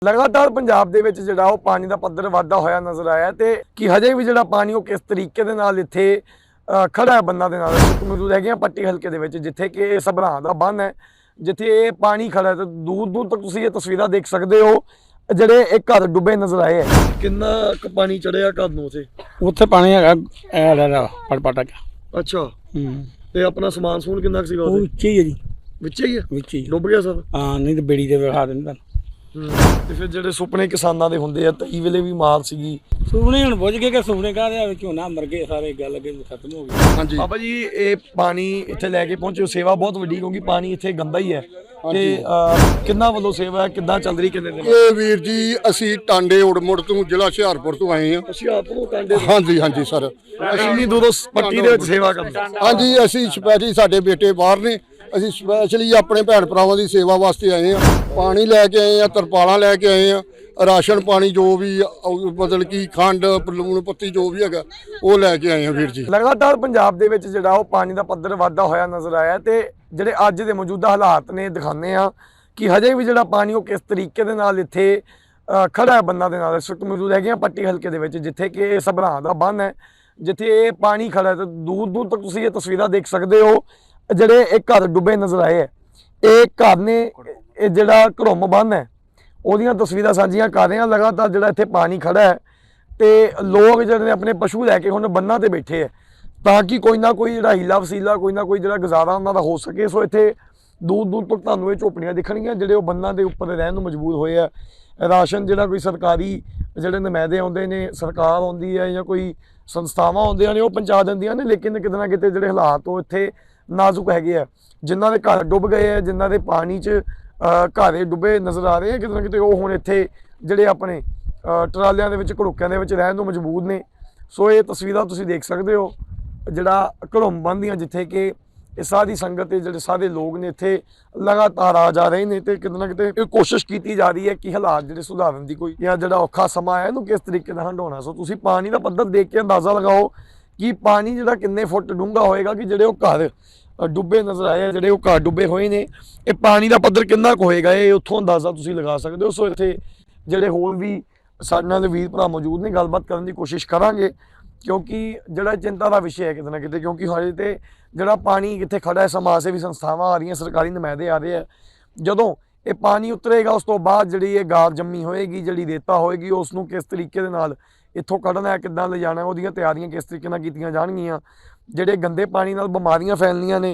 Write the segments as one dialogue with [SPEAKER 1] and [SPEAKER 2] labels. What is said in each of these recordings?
[SPEAKER 1] ਲਗਾਤਾਰ ਪੰਜਾਬ ਦੇ ਵਿੱਚ ਜਿਹੜਾ ਉਹ ਪਾਣੀ ਦਾ ਪੱਧਰ ਵਾਧਾ ਹੋਇਆ ਨਜ਼ਰ ਆਇਆ ਤੇ ਕਿ ਹਜੇ ਵੀ ਜਿਹੜਾ ਪਾਣੀ ਉਹ ਕਿਸ ਤਰੀਕੇ ਦੇ ਨਾਲ ਇੱਥੇ ਖੜਾ ਹੈ ਬੰਨਾਂ ਦੇ ਨਾਲ ਮੌਜੂਦ ਹੈਗੇ ਆ ਪੱਟੀ ਹਲਕੇ ਦੇ ਵਿੱਚ, ਜਿੱਥੇ ਕਿ ਇਹ ਸਭਰਾਂ ਦਾ ਬੰਨ ਹੈ, ਜਿੱਥੇ ਇਹ ਪਾਣੀ ਖੜਾ ਹੈ ਤੇ ਦੂਰ ਦੂਰ ਤੱਕ ਤੁਸੀਂ ਇਹ ਤਸਵੀਰਾਂ ਦੇਖ ਸਕਦੇ ਹੋ ਜਿਹੜੇ ਇੱਕ ਘਰ ਡੁੱਬੇ ਨਜ਼ਰ ਆਏ ਹੈ। ਕਿੰਨਾ ਕੁ ਪਾਣੀ ਚੜਿਆ ਘਰ ਨੂੰ
[SPEAKER 2] ਉੱਥੇ ਪਾਣੀ ਹੈਗਾ ਐ ਲੈ ਪਟਪਟਾ ਕੇ।
[SPEAKER 1] ਅੱਛਾ ਤੇ ਆਪਣਾ ਸਮਾਨ ਸਮੂਨ ਕਿੰਨਾ ਕੁ ਸੀਗਾ
[SPEAKER 2] ਉਹ ਵਿੱਚ ਹੀ ਹੈ ਜੀ,
[SPEAKER 1] ਵਿੱਚ ਹੀ ਹੈ,
[SPEAKER 2] ਵਿੱਚ ਹੀ
[SPEAKER 1] ਡੁੱਬ ਗਿਆ ਸਭ।
[SPEAKER 2] ਹਾਂ ਨਹੀਂ ਤੇ ਬੇੜੀ ਤੇ ਵਿਖਾ ਦਿੰਦਾ।
[SPEAKER 1] ਤੇ ਫਿਰ ਜਿਹੜੇ ਸੁਪਨੇ ਕਿਸਾਨਾਂ ਦੇ ਹੁੰਦੇ ਆ ਤਈ ਵੇਲੇ ਵੀ ਮਾਰ ਸੀਗੀ,
[SPEAKER 2] ਸੁਪਨੇ ਹੁਣ ਬੁੱਝ ਗਏ ਕਿ ਸੁਪਨੇ ਕਾਹਦੇ ਵਿੱਚ ਝੋਨਾ ਮਰ ਗਏ ਸਾਰੇ, ਗੱਲ ਅੱਗੇ ਖਤਮ ਹੋ ਗਈ।
[SPEAKER 1] ਹਾਂਜੀ ਬਾਬਾ ਜੀ, ਇਹ ਪਾਣੀ ਇੱਥੇ ਲੈ ਕੇ ਪਹੁੰਚੇ, ਸੇਵਾ ਬਹੁਤ ਵੱਡੀ ਕਿਉਂਕਿ ਪਾਣੀ ਇੱਥੇ ਗੰਦਾ ਹੀ ਹੈ ਤੇ ਕਿੰਨਾ ਵੱਲੋਂ ਸੇਵਾ ਕਿੱਦਾਂ ਚੱਲ ਰਹੀ ਕਿੰਨੇ ਦਿਨ?
[SPEAKER 3] ਇਹ ਵੀਰ ਜੀ ਅਸੀਂ ਟਾਂਡੇ ਉੜਮੁੜ ਤੋਂ ਜ਼ਿਲ੍ਹਾ ਹੁਸ਼ਿਆਰਪੁਰ ਤੋਂ ਆਏ ਹਾਂ।
[SPEAKER 1] ਹੁਸ਼ਿਆਰਪੁਰ ਟਾਂਡੇ?
[SPEAKER 3] ਹਾਂਜੀ ਹਾਂਜੀ ਸਰ,
[SPEAKER 1] ਅਸੀਂ ਇੰਨੀ ਦੂਰੋਂ ਪੱਟੀ ਦੇ ਵਿੱਚ ਸੇਵਾ ਕਰਦੇ?
[SPEAKER 3] ਹਾਂਜੀ ਅਸੀਂ ਸਪੈਸ਼ਲੀ, ਸਾਡੇ ਬੇਟੇ ਬਾਹਰ ਨੇ, ਅਸੀਂ ਸਪੈਸ਼ਲੀ ਆਪਣੇ ਭੈਣ ਭਰਾਵਾਂ ਦੀ ਸੇਵਾ ਵਾਸਤੇ ਆਏ ਹਾਂ। ਪਾਣੀ ਲੈ ਕੇ ਆਏ ਹਾਂ, ਤਰਪਾਲਾਂ ਲੈ ਕੇ ਆਏ ਹਾਂ, ਰਾਸ਼ਨ ਪਾਣੀ ਜੋ ਵੀ ਮਤਲਬ ਕਿ ਖੰਡ ਲੂਣ ਪੱਤੀ ਜੋ ਵੀ ਹੈਗਾ ਉਹ ਲੈ ਕੇ ਆਏ ਹਾਂ ਵੀਰ ਜੀ।
[SPEAKER 1] ਲਗਾਤਾਰ ਪੰਜਾਬ ਦੇ ਵਿੱਚ ਜਿਹੜਾ ਉਹ ਪਾਣੀ ਦਾ ਪੱਧਰ ਵਾਧਾ ਹੋਇਆ ਨਜ਼ਰ ਆਇਆ ਤੇ ਜਿਹੜੇ ਅੱਜ ਦੇ ਮੌਜੂਦਾ ਹਾਲਾਤ ਨੇ ਦਿਖਾਉਂਦੇ ਆ ਕਿ ਹਜੇ ਵੀ ਜਿਹੜਾ ਪਾਣੀ ਉਹ ਕਿਸ ਤਰੀਕੇ ਦੇ ਨਾਲ ਇੱਥੇ ਖੜਾ ਹੈ ਬੰਨਾਂ ਦੇ ਨਾਲ। ਇਸ ਵਕਤ ਮੌਜੂਦ ਹੈਗੇ ਆ ਪੱਟੀ ਹਲਕੇ ਦੇ ਵਿੱਚ, ਜਿੱਥੇ ਕਿ ਇਹ ਸਭਰਾਂ ਦਾ ਬੰਨ ਹੈ, ਜਿੱਥੇ ਇਹ ਪਾਣੀ ਖੜਾ ਹੈ ਤੇ ਦੂਰ ਦੂਰ ਤੱਕ ਤੁਸੀਂ ਇਹ ਤਸਵੀਰਾਂ ਦੇਖ ਸਕਦੇ ਹੋ ਜਿਹੜੇ ਇੱਕ ਘਰ ਡੁੱਬੇ ਨਜ਼ਰ ਆਏ ਹੈ। ਇਹ ਘਰ ਨੇ, ਇਹ ਜਿਹੜਾ ਘੜੁੰਮ ਬੰਨ ਹੈ ਉਹਦੀਆਂ ਤਸਵੀਰਾਂ ਸਾਂਝੀਆਂ ਕਰ ਰਹੇ ਹਾਂ। ਲਗਾਤਾਰ ਜਿਹੜਾ ਇੱਥੇ ਪਾਣੀ ਖੜਾ ਹੈ ਤੇ ਲੋਕ ਜਿਹੜੇ ਨੇ ਆਪਣੇ ਪਸ਼ੂ ਲੈ ਕੇ ਹੁਣ ਬੰਨਾਂ ਤੇ ਬੈਠੇ ਹੈ ਤਾਂ ਕਿ ਕੋਈ ਨਾ ਕੋਈ ਜਿਹੜਾ ਹੀਲਾ ਵਸੀਲਾ, ਕੋਈ ਨਾ ਕੋਈ ਜਿਹੜਾ ਗੁਜ਼ਾਰਾ ਉਹਨਾਂ ਦਾ ਹੋ ਸਕੇ। ਸੋ ਇੱਥੇ ਦੂਰ ਦੂਰ ਤੱਕ ਤੁਹਾਨੂੰ ਇਹ ਝੋਪੜੀਆਂ ਦਿਖਣਗੀਆਂ ਜਿਹੜੇ ਉਹ ਬੰਨਾਂ ਦੇ ਉੱਪਰ ਰਹਿਣ ਨੂੰ ਮਜਬੂਰ ਹੋਏ ਆ। ਰਾਸ਼ਨ ਜਿਹੜਾ ਕੋਈ ਸਰਕਾਰੀ ਜਿਹੜੇ ਨੁਮਾਇੰਦੇ ਆਉਂਦੇ ਨੇ, ਸਰਕਾਰ ਆਉਂਦੀ ਹੈ ਜਾਂ ਕੋਈ ਸੰਸਥਾਵਾਂ ਆਉਂਦੀਆਂ ਨੇ ਉਹ ਪਹੁੰਚਾ ਦਿੰਦੀਆਂ ਨੇ, ਲੇਕਿਨ ਕਿਤੇ ਨਾ ਕਿਤੇ ਜਿਹੜੇ ਹਾਲਾਤ ਉਹ ਇੱਥੇ ਨਾਜ਼ੁਕ ਹੈਗੇ ਆ। ਜਿਨ੍ਹਾਂ ਦੇ ਘਰ ਡੁੱਬ ਗਏ ਆ, ਜਿਨ੍ਹਾਂ ਦੇ ਪਾਣੀ 'ਚ ਘਰ ਡੁੱਬੇ ਨਜ਼ਰ ਆ ਰਹੇ ਆ, ਕਿਤੇ ਨਾ ਕਿਤੇ ਉਹ ਹੁਣ ਇੱਥੇ ਜਿਹੜੇ ਆਪਣੇ ਟਰਾਲਿਆਂ ਦੇ ਵਿੱਚ, ਘੜੋਕਿਆਂ ਦੇ ਵਿੱਚ ਰਹਿਣ ਨੂੰ ਮਜਬੂਰ ਨੇ। ਸੋ ਇਹ ਤਸਵੀਰਾਂ ਤੁਸੀਂ ਦੇਖ ਸਕਦੇ ਹੋ ਜਿਹੜਾ ਘੜੁੰਮ ਬੰਨ੍ਹ ਦੀਆਂ, ਜਿੱਥੇ ਕਿ ਇਹ ਸਾਰੀ ਸੰਗਤ ਤੇ ਜਿਹੜੇ ਸਾਰੇ ਲੋਕ ਨੇ ਇੱਥੇ ਲਗਾਤਾਰ ਆ ਜਾ ਰਹੇ ਨੇ ਤੇ ਕਿਤੇ ਨਾ ਕਿਤੇ ਇਹ ਕੋਸ਼ਿਸ਼ ਕੀਤੀ ਜਾ ਰਹੀ ਹੈ ਕਿ ਹਾਲਾਤ ਜਿਹੜੇ ਸੁਧਾਰਨ ਦੀ ਕੋਈ, ਜਾਂ ਜਿਹੜਾ ਔਖਾ ਸਮਾਂ ਹੈ ਇਹਨੂੰ ਕਿਸ ਤਰੀਕੇ ਨਾਲ ਹੰਢਾਉਣਾ। ਸੋ ਤੁਸੀਂ ਪਾਣੀ ਦਾ ਪੱਧਰ ਦੇਖ ਕੇ ਅੰਦਾਜ਼ਾ ਲਗਾਓ ਕਿ ਪਾਣੀ ਜਿਹੜਾ ਕਿੰਨੇ ਫੁੱਟ ਡੂੰਘਾ ਹੋਏਗਾ, ਕਿ ਜਿਹੜੇ ਉਹ ਘਰ ਡੁੱਬੇ ਨਜ਼ਰ ਆਏ ਆ, ਜਿਹੜੇ ਉਹ ਘਰ ਡੁੱਬੇ ਹੋਏ ਨੇ, ਇਹ ਪਾਣੀ ਦਾ ਪੱਧਰ ਕਿੰਨਾ ਕੁ ਹੋਏਗਾ ਇਹ ਉੱਥੋਂ ਅੰਦਾਜ਼ਾ ਤੁਸੀਂ ਲਗਾ ਸਕਦੇ ਹੋ। ਸੋ ਇੱਥੇ ਜਿਹੜੇ ਹੋਰ ਵੀ ਸਾਡੇ ਨਾਲ ਵੀਰ ਭਰਾ ਮੌਜੂਦ ਨੇ, ਗੱਲਬਾਤ ਕਰਨ ਦੀ ਕੋਸ਼ਿਸ਼ ਕਰਾਂਗੇ ਕਿਉਂਕਿ ਜਿਹੜਾ ਚਿੰਤਾ ਦਾ ਵਿਸ਼ਾ ਹੈ ਕਿਤੇ ਨਾ ਕਿਤੇ, ਕਿਉਂਕਿ ਹਜੇ ਤੇ ਜਿਹੜਾ ਪਾਣੀ ਕਿੱਥੇ ਖੜਾ ਹੈ, ਸਮਾਜ ਸੇਵੀ ਸੰਸਥਾਵਾਂ ਆ ਰਹੀਆਂ, ਸਰਕਾਰੀ ਨੁਮਾਇੰਦੇ ਆ ਰਹੇ ਆ। ਜਦੋਂ ਇਹ ਪਾਣੀ ਉਤਰੇਗਾ ਉਸ ਤੋਂ ਬਾਅਦ ਜਿਹੜੀ ਇਹ ਗਾਰ ਜੰਮੀ ਹੋਏਗੀ, ਜਿਹੜੀ ਰੇਤਾ ਹੋਏਗੀ, ਉਸ ਨੂੰ ਕਿਸ ਤਰੀਕੇ ਦੇ ਨਾਲ ਇੱਥੋਂ ਕੱਢਣਾ ਹੈ, ਕਿੱਦਾਂ ਲਿਜਾਣਾ, ਉਹਦੀਆਂ ਤਿਆਰੀਆਂ ਕਿਸ ਤਰੀਕੇ ਨਾਲ ਕੀਤੀਆਂ ਜਾਣਗੀਆਂ। ਜਿਹੜੇ ਗੰਦੇ ਪਾਣੀ ਨਾਲ ਬਿਮਾਰੀਆਂ ਫੈਲਣੀਆਂ ਨੇ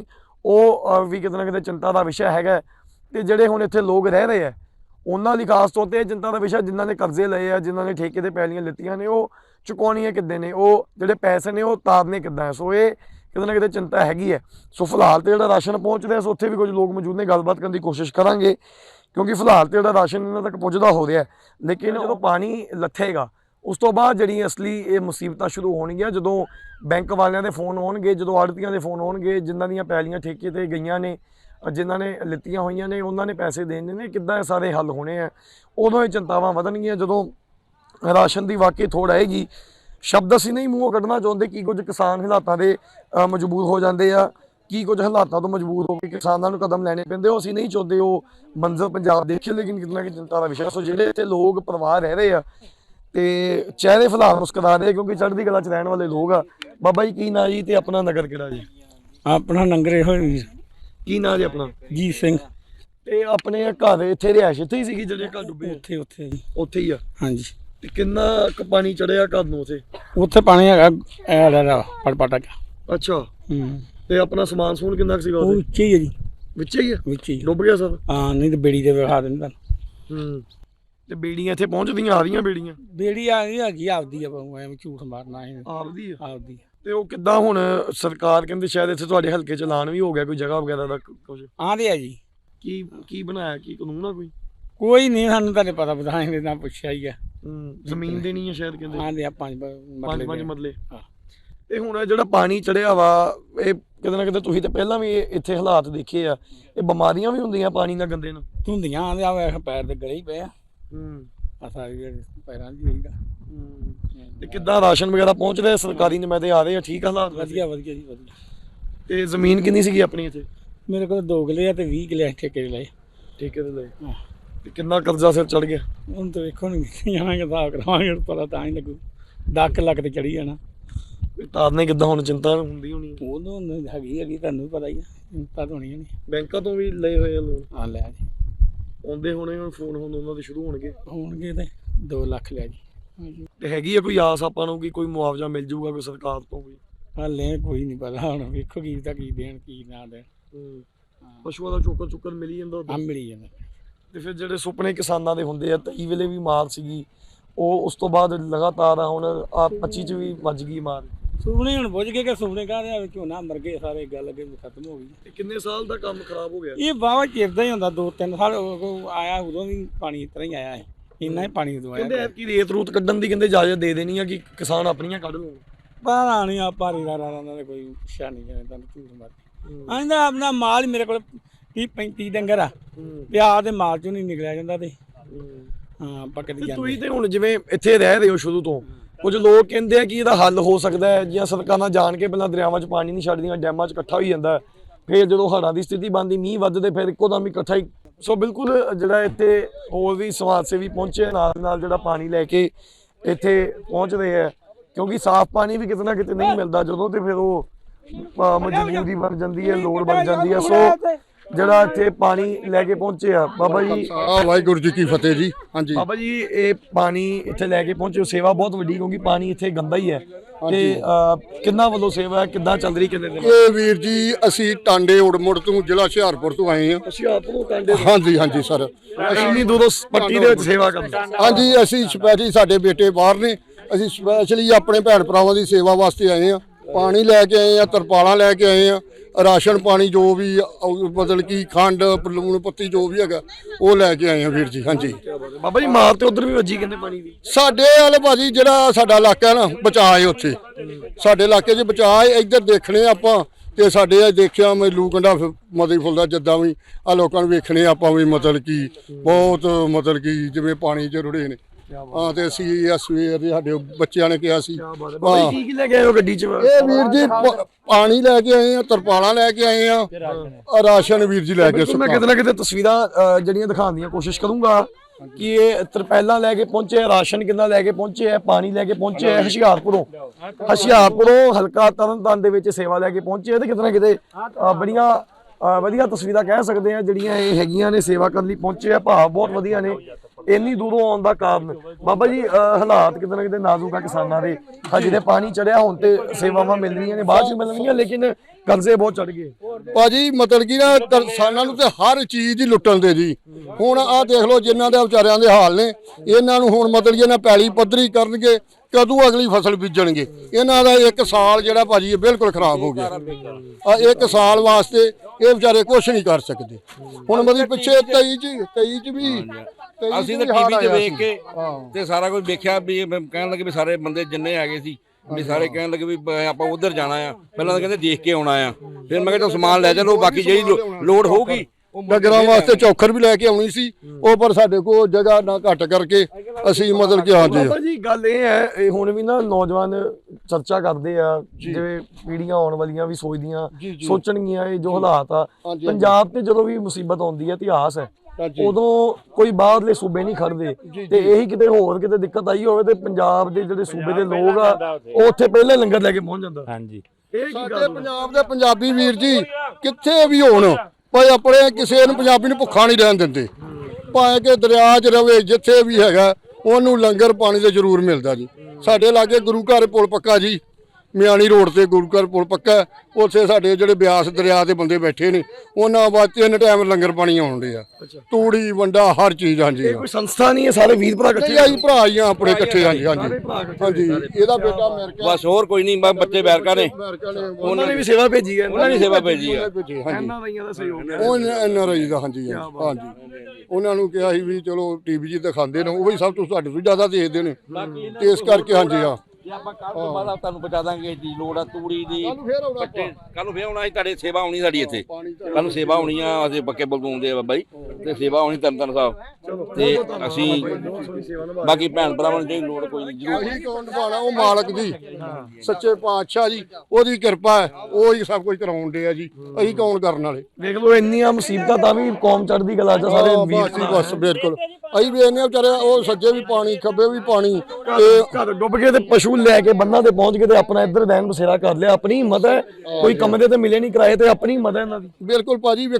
[SPEAKER 1] ਉਹ ਵੀ ਕਿਤੇ ਨਾ ਕਿਤੇ ਚਿੰਤਾ ਦਾ ਵਿਸ਼ਾ ਹੈਗਾ। ਤੇ ਜਿਹੜੇ ਹੁਣ ਇੱਥੇ ਲੋਕ ਰਹਿ ਰਹੇ ਆ ਉਹਨਾਂ ਲਈ ਖਾਸ ਤੌਰ 'ਤੇ ਚਿੰਤਾ ਦਾ ਵਿਸ਼ਾ, ਜਿਨ੍ਹਾਂ ਨੇ ਕਰਜ਼ੇ ਲਏ ਆ, ਜਿਨ੍ਹਾਂ ਨੇ ਠੇਕੇ ਤੇ ਪੈਲੀਆਂ ਲਿੱਤੀਆਂ ਨੇ, ਉਹ ਚੁਕਾਉਣੀਆਂ ਕਿੱਦਾਂ ਨੇ, ਉਹ ਜਿਹੜੇ ਪੈਸੇ ਨੇ ਉਹ ਤਾਰਨੇ ਕਿੱਦਾਂ ਹੈ। ਸੋ ਇਹ ਕਿਤੇ ਨਾ ਕਿਤੇ ਚਿੰਤਾ ਹੈਗੀ ਹੈ। ਸੋ ਫਿਲਹਾਲ ਤੇ ਜਿਹੜਾ ਰਾਸ਼ਨ ਪਹੁੰਚ ਰਿਹਾ, ਸੋ ਉੱਥੇ ਵੀ ਕੁਝ ਲੋਕ ਮੌਜੂਦ ਨੇ, ਗੱਲਬਾਤ ਕਰਨ ਦੀ ਕੋਸ਼ਿਸ਼ ਕਰਾਂਗੇ ਕਿਉਂਕਿ ਫਿਲਹਾਲ ਤੇ ਜਿਹੜਾ ਰਾਸ਼ਨ ਇਹਨਾਂ ਤੱਕ ਪਹੁੰਚਦਾ ਹੋ ਰਿਹਾ। ਲੇਕਿਨ ਜਦੋਂ ਪਾਣੀ ਲੱਥੇਗਾ ਉਸ ਤੋਂ ਬਾਅਦ ਜਿਹੜੀ ਅਸਲੀ ਇਹ ਮੁਸੀਬਤਾਂ ਸ਼ੁਰੂ ਹੋਣਗੀਆਂ, ਜਦੋਂ ਬੈਂਕ ਵਾਲਿਆਂ ਦੇ ਫੋਨ ਆਉਣਗੇ, ਜਦੋਂ ਆੜ੍ਹਤੀਆਂ ਦੇ ਫੋਨ ਆਉਣਗੇ, ਜਿਨ੍ਹਾਂ ਦੀਆਂ ਪੈਲੀਆਂ ਠੇਕੇ ਤੇ ਗਈਆਂ ਨੇ, ਜਿਨ੍ਹਾਂ ਨੇ ਲਿੱਤੀਆਂ ਹੋਈਆਂ ਨੇ, ਉਹਨਾਂ ਨੇ ਪੈਸੇ ਦੇਣੇ ਨੇ, ਕਿੱਦਾਂ ਇਹ ਸਾਰੇ ਹੱਲ ਹੋਣੇ ਆ। ਉਦੋਂ ਇਹ ਚਿੰਤਾਵਾਂ ਵਧਣਗੀਆਂ ਜਦੋਂ ਰਾਸ਼ਨ ਦੀ ਵਾਕਈ ਥੋੜ੍ਹ ਆਏਗੀ। ਸ਼ਬਦ ਅਸੀਂ ਨਹੀਂ ਮੂੰਹੋਂ ਕੱਢਣਾ ਚਾਹੁੰਦੇ ਕਿ ਕੁਝ ਕਿਸਾਨ ਹਾਲਾਤਾਂ ਦੇ ਮਜਬੂਰ ਹੋ ਜਾਂਦੇ ਆ, ਕੀ ਕੁਝ ਹਾਲਾਤਾਂ ਤੋਂ ਮਜਬੂਰ ਹੋ ਕੇ ਕਿਸਾਨਾਂ ਨੂੰ ਕਦਮ ਲੈਣੇ ਪੈਂਦੇ, ਉਹ ਅਸੀਂ ਨਹੀਂ ਚਾਹੁੰਦੇ ਉਹ ਮੰਜ਼ਰ ਪੰਜਾਬ ਦੇਖੇ। ਲੇਕਿਨ ਕਿਤੇ ਨਾ ਕਿਤੇ ਚਿੰਤਾ ਦਾ ਵਿਸ਼ਾ। ਸੋ ਜਿਹੜੇ ਇੱਥੇ ਲੋਕ ਪਰਿਵਾਰ ਰਹਿ ਰਹੇ ਆ ਤੇ ਚਿਹਰੇ ਫਿਲਹਾਲ ਮੁਸਕਰਾ ਰਹੇ ਕਿਉਂਕਿ ਚੜ੍ਹਦੀ ਕਲਾ 'ਚ ਰਹਿਣ ਵਾਲੇ ਲੋਕ ਆ। ਬਾਬਾ ਜੀ ਕੀ ਨਾਂ ਜੀ ਤੇ ਆਪਣਾ ਨਗਰ ਕਿਹੜਾ ਜੀ?
[SPEAKER 2] ਆਪਣਾ ਨੰਗਰੇ ਹੋਈ।
[SPEAKER 1] ਕੀ ਨਾਂ ਜੀ ਆਪਣਾ?
[SPEAKER 2] ਜੀਤ ਸਿੰਘ।
[SPEAKER 1] ਤੇ ਆਪਣੇ ਘਰ ਇੱਥੇ ਰਿਹਾਇਸ਼ ਇੱਥੇ ਹੀ ਸੀਗੀ ਜਿਹੜੇ ਘਰ ਡੁੱਬੇ?
[SPEAKER 2] ਉੱਥੇ ਜੀ,
[SPEAKER 1] ਉੱਥੇ ਹੀ ਆ।
[SPEAKER 2] ਹਾਂਜੀ।
[SPEAKER 1] ਤੇ ਕਿੰਨਾ ਕੁ ਪਾਣੀ ਚੜਿਆ ਘਰ ਨੂੰ
[SPEAKER 2] ਉੱਥੇ ਪਾਣੀ ਹੈਗਾ ਐ ਲੈ ਪਟਪਟਾ ਕੇ।
[SPEAKER 1] ਅੱਛਾ ਤੇ ਆਪਣਾ ਸਮਾਨ ਸਮੂਨ ਕਿੰਨਾ ਕੁ ਸੀਗਾ
[SPEAKER 2] ਉਹ ਵਿੱਚ ਹੀ ਹੈ ਜੀ,
[SPEAKER 1] ਵਿੱਚ ਹੀ ਆ,
[SPEAKER 2] ਵਿੱਚ ਹੀ
[SPEAKER 1] ਡੁੱਬ ਗਿਆ ਸਭ।
[SPEAKER 2] ਹਾਂ ਨਹੀਂ ਤੇ ਬੇੜੀ ਤੇ ਵਿਖਾ ਦਿੰਦਾ।
[SPEAKER 1] ਤੇ ਬੇੜੀਆਂ ਇੱਥੇ ਪਹੁੰਚਦੀਆਂ ਆ ਰਹੀਆਂ?
[SPEAKER 2] ਬੇੜੀ ਆ ਗਈ ਹੈਗੀ, ਆਪਦੀ ਆ, ਐਵੇਂ ਝੂਠ ਮਾਰਨਾ ਹੈ,
[SPEAKER 1] ਆਪਦੀ ਆ।
[SPEAKER 2] ਆਪਦੀ।
[SPEAKER 1] ਤੇ ਉਹ ਕਿੱਦਾਂ ਹੁਣ ਸਰਕਾਰ ਕਹਿੰਦੇ ਸ਼ਾਇਦ ਇੱਥੇ ਤੁਹਾਡੇ ਹਲਕੇ ਚ ਐਲਾਨ ਵੀ ਹੋ ਗਿਆ ਕੋਈ ਜਗ੍ਹਾ ਵਗੈਰਾ ਦਾ ਕੁਝ
[SPEAKER 2] ਆਂਦੇ ਆ ਜੀ?
[SPEAKER 1] ਕੀ ਬਣਾਇਆ, ਕੀ ਕਾਨੂੰਨ ਆ
[SPEAKER 2] ਕੋਈ ਨਹੀਂ, ਸਾਨੂੰ ਤਾਂ ਪਤਾ ਬਤਾਏ ਨਾ ਪੁੱਛਿਆ ਹੀ ਆ।
[SPEAKER 1] ਜ਼ਮੀਨ ਦੇਣੀ ਹੈ ਸ਼ਾਇਦ ਕਹਿੰਦੇ?
[SPEAKER 2] ਆਂਦੇ ਆ 5
[SPEAKER 1] ਮਰਲੇ। ਤੇ ਹੁਣ ਜਿਹੜਾ ਪਾਣੀ ਚੜਿਆ ਵਾ, ਇਹ ਕਿਤੇ ਨਾ ਕਿਤੇ ਤੁਸੀਂ ਤੇ ਪਹਿਲਾਂ ਵੀ ਇੱਥੇ ਹਾਲਾਤ ਦੇਖੇ ਆ, ਇਹ ਬਿਮਾਰੀਆਂ ਵੀ ਹੁੰਦੀਆਂ ਪਾਣੀ ਨਾਲ ਗੰਦੇ ਨਾਲ?
[SPEAKER 2] ਹੁੰਦੀਆਂ, ਆਂਦੇ ਆ ਪੈਰ ਦੇ ਗਲੇ ਹੀ ਪਏ ਆ। ਸਾਰੀ ਪੈਰਾਂ ਦੀ ਰਹੀਦਾ।
[SPEAKER 1] ਤੇ ਕਿੱਦਾਂ ਰਾਸ਼ਨ ਵਗੈਰਾ ਪਹੁੰਚ ਰਿਹਾ, ਸਰਕਾਰੀ ਨੁਮਾਇੰਦੇ ਆ ਰਹੇ ਆ, ਠੀਕ ਹਾਲਾਤ?
[SPEAKER 2] ਵਧੀਆ ਵਧੀਆ ਜੀ, ਵਧੀਆ।
[SPEAKER 1] ਤੇ ਜ਼ਮੀਨ ਕਿੰਨੀ ਸੀਗੀ ਆਪਣੀ ਇੱਥੇ?
[SPEAKER 2] ਮੇਰੇ ਕੋਲ 2 ਕਿੱਲੇ ਆ ਤੇ 20 ਕਿੱਲੇ ਠੇਕੇ ਦੇ ਲਏ।
[SPEAKER 1] ਠੇਕੇ ਤੇ ਲਏ। ਤੇ ਕਿੰਨਾ ਕਰਜ਼ਾ ਸਿਰ ਚੜ ਗਿਆ?
[SPEAKER 2] ਹੁਣ ਤਾਂ ਵੇਖੋ ਨਹੀਂ ਜਾਵਾਂਗੇ ਹਿਸਾਬ ਕਰਾਵਾਂਗੇ ਪਤਾ ਤਾਂ ਹੀ ਲੱਗੂ 10 ਲੱਖ ਤੇ ਚੜੀ ਜਾਣਾ।
[SPEAKER 1] ਤਾਰਨੇ ਕਿੱਦਾਂ ਹੁਣ ਚਿੰਤਾ ਹੁੰਦੀ ਹੋਣੀ?
[SPEAKER 2] ਉਦੋਂ ਹੈਗੀ ਤੁਹਾਨੂੰ ਵੀ ਪਤਾ ਹੀ ਆ ਚਿੰਤਾ ਤਾਂ ਹੋਣੀ ਨਹੀਂ।
[SPEAKER 1] ਬੈਂਕਾਂ ਤੋਂ ਵੀ ਲਏ ਹੋਏ ਆ ਲੋਨ?
[SPEAKER 2] ਹਾਂ ਲੈ ਜੀ
[SPEAKER 1] ਆਉਂਦੇ ਹੋਣੇ ਹੁਣ ਫੋਨ ਹੁਣ ਉਹਨਾਂ ਦੇ ਸ਼ੁਰੂ ਹੋਣਗੇ
[SPEAKER 2] ਤੇ 2 ਲੱਖ ਲਿਆ ਜੀ। ਹਾਂਜੀ
[SPEAKER 1] ਤੇ ਹੈਗੀ ਆ ਕੋਈ ਆਸ ਆਪਾਂ ਨੂੰ ਕਿ ਕੋਈ ਮੁਆਵਜ਼ਾ ਮਿਲ ਜਾਊਗਾ ਕੋਈ ਸਰਕਾਰ ਤੋਂ ਵੀ?
[SPEAKER 2] ਹਾਲੇ ਕੋਈ ਨਹੀਂ ਪਤਾ ਹੁਣ ਵੇਖੋ ਕੀ ਤਾਂ ਕੀ ਦੇਣ ਕੀ ਨਾ ਦੇਣ।
[SPEAKER 1] ਪਸ਼ੂਆਂ ਦਾ ਚੋਕਰ ਮਿਲੀ ਜਾਂਦਾ ਉੱਧਰ?
[SPEAKER 2] ਆ ਮਿਲੀ ਜਾਂਦਾ।
[SPEAKER 1] ਤੇ ਫਿਰ ਜਿਹੜੇ ਸੁਪਨੇ ਕਿਸਾਨਾਂ ਦੇ ਹੁੰਦੇ ਆ 23 ਵੇਲੇ ਵੀ ਮਾਰ ਸੀਗੀ ਉਹ ਉਸ ਤੋਂ ਬਾਅਦ ਲਗਾਤਾਰ ਆ ਹੁਣ ਆ 25 ਚ ਵੀ ਵੱਜ ਗਈ ਮਾਰ।
[SPEAKER 2] ਸੁਪਨੇ ਹੁਣ ਬੁੱਝ ਗਏ ਕਿ ਸੁਪਨੇ ਕਾਹਦੇ ਆ ਝੋਨਾ ਮਰ ਗਏ ਸਾਰੇ ਗੱਲ ਅੱਗੇ ਖਤਮ ਹੋ ਗਈ।
[SPEAKER 1] ਤੇ ਕਿੰਨੇ ਸਾਲ ਦਾ ਕੰਮ ਖਰਾਬ ਹੋ ਗਿਆ?
[SPEAKER 2] ਇਹ ਵਾਹਵਾ ਚਿਰ ਦਾ ਹੀ ਹੁੰਦਾ 2-3 ਸਾਲ ਆਇਆ ਉਦੋਂ ਵੀ ਪਾਣੀ ਇਸ ਤਰ੍ਹਾਂ ਹੀ ਆਇਆ ਹੈ ਇੰਨਾ ਹੀ ਪਾਣੀ ਉਦੋਂ
[SPEAKER 1] ਕਹਿੰਦੇ
[SPEAKER 2] ਆਇਆ।
[SPEAKER 1] ਐਤਕੀ ਰੇਤ ਰੂਤ ਕੱਢਣ ਦੀ ਕਹਿੰਦੇ ਇਜਾਜ਼ਤ ਦੇ ਦੇਣੀ ਆ ਕਿ ਕਿਸਾਨ ਆਪਣੀਆਂ ਕੱਢ ਲੈਣ।
[SPEAKER 2] ਪਤਾ ਨਹੀਂ ਆ ਭਾਰੀ ਰਾਰਾਂ ਦਾ ਕੋਈ ਪੁੱਛਿਆ ਨਹੀਂ ਜਾਂਦਾ ਤੁਹਾਨੂੰ ਝੂਠ ਮਾਰ ਆਂਦਾ ਆਪਣਾ ਮਾਲ ਹੀ ਮੇਰੇ ਕੋਲ 30-35 ਡੰਗਰ ਆ ਪਿਆਰ ਦੇ ਮਾਲ ਚੋਂ ਨਹੀਂ ਨਿਕਲਿਆ ਜਾਂਦਾ ਤੇ ਹਾਂ ਪੱਕਦੀ ਜਾਂਦੀ।
[SPEAKER 1] ਤੁਸੀਂ ਤੇ ਹੁਣ ਜਿਵੇਂ ਇੱਥੇ ਰਹਿ ਰਹੇ ਹੋ ਸ਼ੁਰੂ ਤੋਂ ਕੁਝ ਲੋਕ ਕਹਿੰਦੇ ਆ ਕਿ ਇਹਦਾ ਹੱਲ ਹੋ ਸਕਦਾ ਹੈ ਜਾਂ ਸਰਕਾਰਾਂ ਜਾਣ ਕੇ ਪਹਿਲਾਂ ਦਰਿਆਵਾਂ 'ਚ ਪਾਣੀ ਨਹੀਂ ਛੱਡਦੀਆਂ ਡੈਮਾਂ 'ਚ ਇਕੱਠਾ ਹੋਈ ਜਾਂਦਾ ਫਿਰ ਜਦੋਂ ਹੜ੍ਹਾਂ ਦੀ ਸਥਿਤੀ ਬਣਦੀ ਮੀਂਹ ਵੱਧਦੇ ਫਿਰ ਇੱਕੋ ਦਮ ਇਕੱਠਾ ਹੀ। ਸੋ ਬਿਲਕੁਲ ਜਿਹੜਾ ਇੱਥੇ ਹੋਰ ਵੀ ਸਮਾਜ ਸੇਵੀ ਪਹੁੰਚੇ ਨਾਲ ਜਿਹੜਾ ਪਾਣੀ ਲੈ ਕੇ ਇੱਥੇ ਪਹੁੰਚਦੇ ਆ ਕਿਉਂਕਿ ਸਾਫ਼ ਪਾਣੀ ਵੀ ਕਿਤੇ ਨਾ ਕਿਤੇ ਨਹੀਂ ਮਿਲਦਾ ਜਦੋਂ ਤੇ ਫਿਰ ਉਹ ਮਜਬੂਰੀ ਬਣ ਜਾਂਦੀ ਹੈ ਲੋੜ ਬਣ ਜਾਂਦੀ ਹੈ। ਸੋ ਜਿਹੜਾ ਇੱਥੇ ਪਾਣੀ ਲੈ ਕੇ ਪਹੁੰਚੇ ਆ ਬਾਬਾ ਜੀ
[SPEAKER 3] ਵਾਹਿਗੁਰੂ ਜੀ ਕੀ ਫਤਿਹ ਜੀ। ਹਾਂਜੀ
[SPEAKER 1] ਬਾਬਾ ਜੀ ਇਹ ਪਾਣੀ ਇੱਥੇ ਲੈ ਕੇ ਪਹੁੰਚੇ ਸੇਵਾ ਬਹੁਤ ਵੱਡੀ ਕਿਉਂਕਿ ਪਾਣੀ ਇੱਥੇ ਗੰਦਾ ਹੀ ਹੈ ਤੇ ਕਿੰਨਾ ਵੱਲੋਂ ਸੇਵਾ ਹੈ ਕਿੱਦਾਂ ਚੱਲ ਰਹੀ ਕਿੰਨੇ ਦਿਨ?
[SPEAKER 3] ਇਹ ਵੀਰ ਜੀ ਅਸੀਂ ਟਾਂਡੇ ਉੜਮੁੜ ਤੋਂ ਜ਼ਿਲ੍ਹਾ ਹੁਸ਼ਿਆਰਪੁਰ ਤੋਂ ਆਏ ਹਾਂ।
[SPEAKER 1] ਹੁਸ਼ਿਆਰਪੁਰ ਟਾਂਡੇ
[SPEAKER 3] ਹਾਂਜੀ ਹਾਂਜੀ ਸਰ
[SPEAKER 1] ਅਸੀਂ ਦੂਰੋਂ ਪੱਟੀ ਦੇ ਵਿੱਚ ਸੇਵਾ ਕਰਦੇ।
[SPEAKER 3] ਹਾਂਜੀ ਅਸੀਂ ਸਪੈਸ਼ਲੀ ਸਾਡੇ ਬੇਟੇ ਬਾਹਰ ਨੇ ਅਸੀਂ ਸਪੈਸ਼ਲੀ ਆਪਣੇ ਭੈਣ ਭਰਾਵਾਂ ਦੀ ਸੇਵਾ ਵਾਸਤੇ ਆਏ ਹਾਂ। ਪਾਣੀ ਲੈ ਕੇ ਆਏ ਆ ਤਰਪਾਲਾਂ ਲੈ ਕੇ ਆਏ ਆ ਰਾਸ਼ਨ ਪਾਣੀ ਜੋ ਵੀ ਮਤਲਬ ਕਿ ਖੰਡ ਲੂਣ ਪੱਤੀ ਜੋ ਵੀ ਹੈਗਾ ਉਹ ਲੈ ਕੇ ਆਏ ਆ ਵੀਰ ਜੀ। ਹਾਂਜੀ
[SPEAKER 1] ਬਾਬਾ ਜੀ ਮਾਰ ਤੇ ਉਧਰ ਵੀ ਵੱਜੀ ਕਹਿੰਦੇ ਪਾਣੀ ਦੀ।
[SPEAKER 3] ਸਾਡੇ ਵਾਲੇ ਭਾਜੀ ਜਿਹੜਾ ਸਾਡਾ ਇਲਾਕਾ ਨਾ ਬਚਾਅ ਹੈ ਉੱਥੇ ਸਾਡੇ ਇਲਾਕੇ 'ਚ ਬਚਾਅ ਹੈ। ਇੱਧਰ ਦੇਖਣੇ ਆਪਾਂ ਤੇ ਸਾਡੇ ਆ ਦੇਖਿਆ ਮੈਂ ਲੂ ਕੰਡਾ ਮਤਲਬ ਫੁੱਲਦਾ ਜਿੱਦਾਂ ਵੀ ਆ ਲੋਕਾਂ ਨੂੰ ਵੇਖਣੇ ਆਪਾਂ ਵੀ ਮਤਲਬ ਕਿ ਬਹੁਤ ਮਤਲਬ ਕਿ ਜਿਵੇਂ ਪਾਣੀ 'ਚ ਰੁੜੇ ਨੇ। ਹਾਂ ਤੇ ਅਸੀਂ ਇਹ ਸਵੇਰ ਦੇ ਸਾਡੇ ਬੱਚਿਆਂ ਨੇ ਕਿਹਾ ਸੀ
[SPEAKER 1] ਕੀ ਲੈ ਕੇ ਆਏ ਹੋ ਗੱਡੀ 'ਚ?
[SPEAKER 3] ਇਹ ਵੀਰ ਜੀ ਪਾਣੀ ਲੈ ਕੇ ਆਏ ਆ ਤਰਪਾਲਾਂ ਲੈ ਕੇ ਆਏ ਆ ਰਾਸ਼ਨ ਵੀਰ ਜੀ ਲੈ ਕੇ।
[SPEAKER 1] ਮੈਂ ਕਿਤੇ ਨਾ ਕਿਤੇ ਤਸਵੀਰਾਂ ਜਿਹੜੀਆਂ ਦਿਖਾਉਣ ਦੀ ਕੋਸ਼ਿਸ਼ ਕਰੂੰਗਾ ਕਿ ਇਹ ਤਰਪਾਲਾਂ ਲੈ ਕੇ ਪਹੁੰਚੇ ਰਾਸ਼ਨ ਕਿੰਨਾ ਲੈ ਕੇ ਪਹੁੰਚੇ ਹੈ ਪਾਣੀ ਲੈ ਕੇ ਪਹੁੰਚੇ ਹੈ ਹੁਸ਼ਿਆਰਪੁਰੋਂ ਹਲਕਾ ਤਰਨਤਾਰਨ ਦੇ ਵਿੱਚ ਸੇਵਾ ਲੈ ਕੇ ਪਹੁੰਚੇ ਤੇ ਕਿਤੇ ਨਾ ਕਿਤੇ ਬੜੀਆਂ ਵਧੀਆ ਤਸਵੀਰਾਂ ਕਹਿ ਸਕਦੇ ਆ ਜਿਹੜੀਆਂ ਇਹ ਹੈਗੀਆਂ ਨੇ ਸੇਵਾ ਕਰਨ ਲਈ ਪਹੁੰਚੇ ਆ ਭਾਵ ਬਹੁਤ ਵਧੀਆ ਨੇ ਇੰਨੀ ਦੂਰੋਂ ਆਉਣ ਦਾ ਕਾਰਨ। ਬਾਬਾ ਜੀ ਹਾਲਾਤ ਕਿਤੇ ਨਾ ਕਿਤੇ ਨਾਜ਼ੁਕ ਆ ਕਿਸਾਨਾਂ ਦੇ ਹਜੇ ਤੇ ਪਾਣੀ ਚੜਿਆ ਹੁਣ ਤੇ ਸੇਵਾਵਾਂ ਮਿਲ ਰਹੀਆਂ ਨੇ ਬਾਅਦ ਚ ਮਿਲਣਗੀਆਂ ਲੇਕਿਨ ਕਰਜ਼ੇ ਬਹੁਤ ਚੜ ਗਏ
[SPEAKER 3] ਭਾਜੀ ਮਤਲਬ ਕਿ ਨਾ ਕਿਸਾਨਾਂ ਨੂੰ ਤੇ ਹਰ ਚੀਜ਼ ਹੀ ਲੁੱਟਣ ਦੇ ਜੀ। ਹੁਣ ਆਹ ਦੇਖ ਲਓ ਜਿਨ੍ਹਾਂ ਦੇ ਵਿਚਾਰਿਆਂ ਦੇ ਹਾਲ ਨੇ ਇਹਨਾਂ ਨੂੰ ਹੁਣ ਮਤਲਬ ਕਿ ਇਹਨਾਂ ਪੈਲੀ ਪੱਧਰੀ ਕਰਨਗੇ ਕਦੋਂ ਅਗਲੀ ਫਸਲ ਬੀਜਣਗੇ। ਇਹਨਾਂ ਦਾ ਇੱਕ ਸਾਲ ਜਿਹੜਾ ਭਾਜੀ ਇਹ ਬਿਲਕੁਲ ਖਰਾਬ ਹੋ ਗਿਆ। ਇੱਕ ਸਾਲ ਵਾਸਤੇ ਇਹ ਵਿਚਾਰੇ ਕੁਝ ਨਹੀਂ ਕਰ ਸਕਦੇ। ਹੁਣ ਮਤਲਬ ਪਿੱਛੇ 23 ਚ ਵੀ
[SPEAKER 4] ਅਸੀਂ ਤਾਂ ਟੀਵੀ 'ਤੇ ਵੇਖ ਕੇ ਤੇ ਸਾਰਾ ਕੁਝ ਵੇਖਿਆ ਵੀ ਕਹਿਣ ਲੱਗੇ ਵੀ ਸਾਰੇ ਬੰਦੇ ਜਿੰਨੇ ਹੈਗੇ ਸੀ ਵੀ ਸਾਰੇ ਕਹਿਣ ਲੱਗੇ ਵੀ ਆਪਾਂ ਉਧਰ ਜਾਣਾ ਆ ਪਹਿਲਾਂ ਤਾਂ ਕਹਿੰਦੇ ਦੇਖ ਕੇ ਆਉਣਾ ਆ ਫਿਰ ਮੈਂ ਕਿਹਾ ਸਮਾਨ ਲੈ ਚਲੋ ਬਾਕੀ ਜਿਹੜੀ ਲੋੜ ਹੋਊਗੀ
[SPEAKER 3] ਡੰਗਰਾਂ ਵਾਸਤੇ ਚੌਖਰ ਵੀ ਲੈ ਕੇ ਆਉਣੀ ਸੀ ਉਹ ਪਰ ਸਾਡੇ ਕੋਲ ਜਗ੍ਹਾ ਨਾ ਘੱਟ ਕਰਕੇ ਅਸੀਂ ਮਤਲਬ ਕਿ ਹਾਂਜੀ।
[SPEAKER 1] ਬਾਬਾ ਜੀ ਗੱਲ ਇਹ ਹੈ ਇਹ ਹੁਣ ਵੀ ਨਾ ਨੌਜਵਾਨ ਚਰਚਾ ਕਰਦੇ ਆ ਜਿਵੇਂ ਪੀੜ੍ਹੀਆਂ ਆਉਣ ਵਾਲੀਆਂ ਵੀ ਸੋਚਣਗੀਆਂ ਇਹ ਜੋ ਹਾਲਾਤ ਆ ਪੰਜਾਬ ਤੇ ਜਦੋਂ ਵੀ ਮੁਸੀਬਤ ਆਉਂਦੀ ਹੈ ਇਤਿਹਾਸ ਹੈ ਉਦੋਂ ਕੋਈ ਬਾਹਰਲੇ ਸੂਬੇ ਨਹੀਂ ਖੜਦੇ ਤੇ ਇਹੀ ਕਿਤੇ ਹੋਰ ਕਿਤੇ ਦਿੱਕਤ ਆਈ ਹੋਵੇ ਤੇ ਪੰਜਾਬ ਦੇ ਜਿਹੜੇ ਸੂਬੇ ਦੇ ਲੋਕ ਆ ਉਹ ਉੱਥੇ ਪਹਿਲੇ ਲੰਗਰ ਲੈ ਕੇ ਪਹੁੰਚ ਜਾਂਦਾ।
[SPEAKER 2] ਹਾਂਜੀ
[SPEAKER 3] ਸਾਡੇ ਪੰਜਾਬ ਦੇ ਪੰਜਾਬੀ ਵੀਰ ਜੀ ਕਿੱਥੇ ਵੀ ਹੋਣ ਭਾਈ ਆਪਣੇ ਕਿਸੇ ਨੂੰ ਪੰਜਾਬੀ ਨੂੰ ਭੁੱਖਾ ਨਹੀਂ ਰਹਿਣ ਦਿੰਦੇ ਭਾਵੇਂ ਕਿ ਦਰਿਆ 'ਚ ਰਵੇ ਜਿੱਥੇ ਵੀ ਹੈਗਾ ਉਹਨੂੰ ਲੰਗਰ ਪਾਣੀ ਤੇ ਜ਼ਰੂਰ ਮਿਲਦਾ ਜੀ। ਸਾਡੇ ਲਾਗੇ ਗੁਰੂ ਘਰ ਪੁਲ ਪੱਕਾ ਜੀ ਮਿਆਣੀ ਰੋਡ ਤੇ ਗੁਰੂ ਘਰ ਪੁਲ ਪੱਕਾ ਉੱਥੇ ਸਾਡੇ ਜਿਹੜੇ ਬਿਆਸ ਦਰਿਆ ਦੇ ਬੰਦੇ ਬੈਠੇ ਨੇ ਉਹਨਾਂ ਬਾਅਦ 3 ਟਾਈਮ ਲੰਗਰ ਪਾਣੀ ਆਉਂਦੇ ਆ ਤੂੜੀ ਵੰਡਾ ਹਰ ਚੀਜ਼। ਹਾਂਜੀ
[SPEAKER 1] ਕੋਈ ਸੰਸਥਾ ਨਹੀਂ ਹੈ ਸਾਰੇ ਵੀਰ ਭਰਾ ਇਕੱਠੇ
[SPEAKER 3] ਆਈ ਭਰਾ ਹੀ ਆ ਆਪਣੇ ਇਕੱਠੇ। ਹਾਂਜੀ ਹਾਂਜੀ ਇਹਦਾ ਬੇਟਾ ਅਮਰੀਕਾ
[SPEAKER 4] ਬਸ ਹੋਰ ਕੋਈ ਨਹੀਂ ਬੱਚੇ ਬੈਰਕਾ ਨੇ
[SPEAKER 1] ਉਹਨਾਂ ਨੇ ਵੀ ਸੇਵਾ ਭੇਜੀ ਹੈ
[SPEAKER 4] ਉਹਨਾਂ ਦੀ ਸੇਵਾ ਭੇਜੀ ਆ
[SPEAKER 1] ਇਹਨਾਂ ਦਾ ਸਹਿਯੋਗ ਹੈ
[SPEAKER 3] ਉਹ NRI ਦਾ। ਹਾਂਜੀ ਉਹਨਾਂ ਨੂੰ ਕਿਹਾ ਸੀ ਵੀ ਚਲੋ ਟੀਵੀ 'ਚ ਦਿਖਾਉਂਦੇ ਨੇ ਉਹ ਵੀ ਸਭ ਤੋਂ ਸਾਡੇ ਤੋਂ ਜ਼ਿਆਦਾ ਦੇਖਦੇ ਨੇ ਤੇ ਇਸ ਕਰਕੇ ਹਾਂਜੀ
[SPEAKER 4] ਜੇ ਆਪਾਂ ਕੱਲ ਤੋਂ ਬਾਅਦ ਤੁਹਾਨੂੰ ਪਹੁੰਚਾ ਦਾਂਗੇ ਜੀ ਲੋੜ ਆ ਤੂੜੀ ਦੀ
[SPEAKER 3] ਕੱਲ ਨੂੰ ਫੇਰ ਆਉਣਾ
[SPEAKER 4] ਪੱਟੇ ਕੱਲ ਨੂੰ ਫੇਰ ਆਉਣਾ ਸੀ ਤੁਹਾਡੇ ਸੇਵਾ ਹੋਣੀ ਸਾਡੀ ਇੱਥੇ
[SPEAKER 3] ਪਾਣੀ ਤਾਂ
[SPEAKER 4] ਕੱਲ ਨੂੰ ਸੇਵਾ ਹੋਣੀ ਆ ਅਸੀਂ ਪੱਕੇ ਬਲਦੂਨ ਦੇ ਬਾਬਾ ਜੀ ਤੇ ਸੇਵਾ ਹੋਣੀ ਤਰਨ ਸਾਹਿਬ ਤੇ ਅਸੀਂ ਬਾਕੀ ਭੈਣ ਭਰਾਵਾਂ ਨੂੰ ਜੇ ਲੋੜ ਕੋਈ ਨਹੀਂ ਜ਼ਰੂਰ
[SPEAKER 3] ਅਸੀਂ ਕੌਣ ਨਿਭਾਉਣਾ ਉਹ ਮਾਲਕ ਦੀ ਸੱਚੇ ਪਾਤਸ਼ਾਹ ਜੀ ਉਹਦੀ ਕਿਰਪਾ ਹੈ ਉਹ ਹੀ ਸਭ ਕੁਝ ਕਰਾਉਣ ਦੇ ਆ ਜੀ ਅਸੀਂ ਕੌਣ ਕਰਨ ਵਾਲੇ
[SPEAKER 1] ਦੇਖ ਲਓ ਇੰਨੀਆਂ ਮੁਸੀਬਤਾਂ ਤਾਂ ਵੀ ਕੌਮ ਚੜ੍ਹਦੀ ਕਲਾ 'ਚ ਸਾਰੇ ਵੀਰ
[SPEAKER 3] ਬਸ ਜੀ ਬਸ ਬਿਲਕੁਲ ਅਸੀਂ ਵੀ ਇਹਨੇ ਵਿਚਾਰੇ ਉਹ ਸੱਜੇ ਵੀ ਪਾਣੀ ਖੱਬੇ ਵੀ ਪਾਣੀ ਤੇ
[SPEAKER 1] ਘਰ ਡੁੱਬ ਕੇ ਤੇ ਪਸ਼ੂ ਲੈ ਕੇ ਬੰਨਾਂ ਤੇ ਪਹੁੰਚ ਕੇ ਤੇ ਆਪਣਾ ਇੱਧਰ ਰਹਿਣ ਬਸੇਰਾ ਕਰ ਲਿਆ। ਆਪਣੀ ਹਿੰਮਤ ਹੈ, ਕੋਈ ਕਮਰੇ ਤੇ ਮਿਲੇ ਨਹੀਂ ਕਿਰਾਏ ਤੇ, ਆਪਣੀ ਹਿੰਮਤ ਹੈ ਇਹਨਾਂ ਦੀ।
[SPEAKER 3] ਬਿਲਕੁਲ ਭਾਜੀ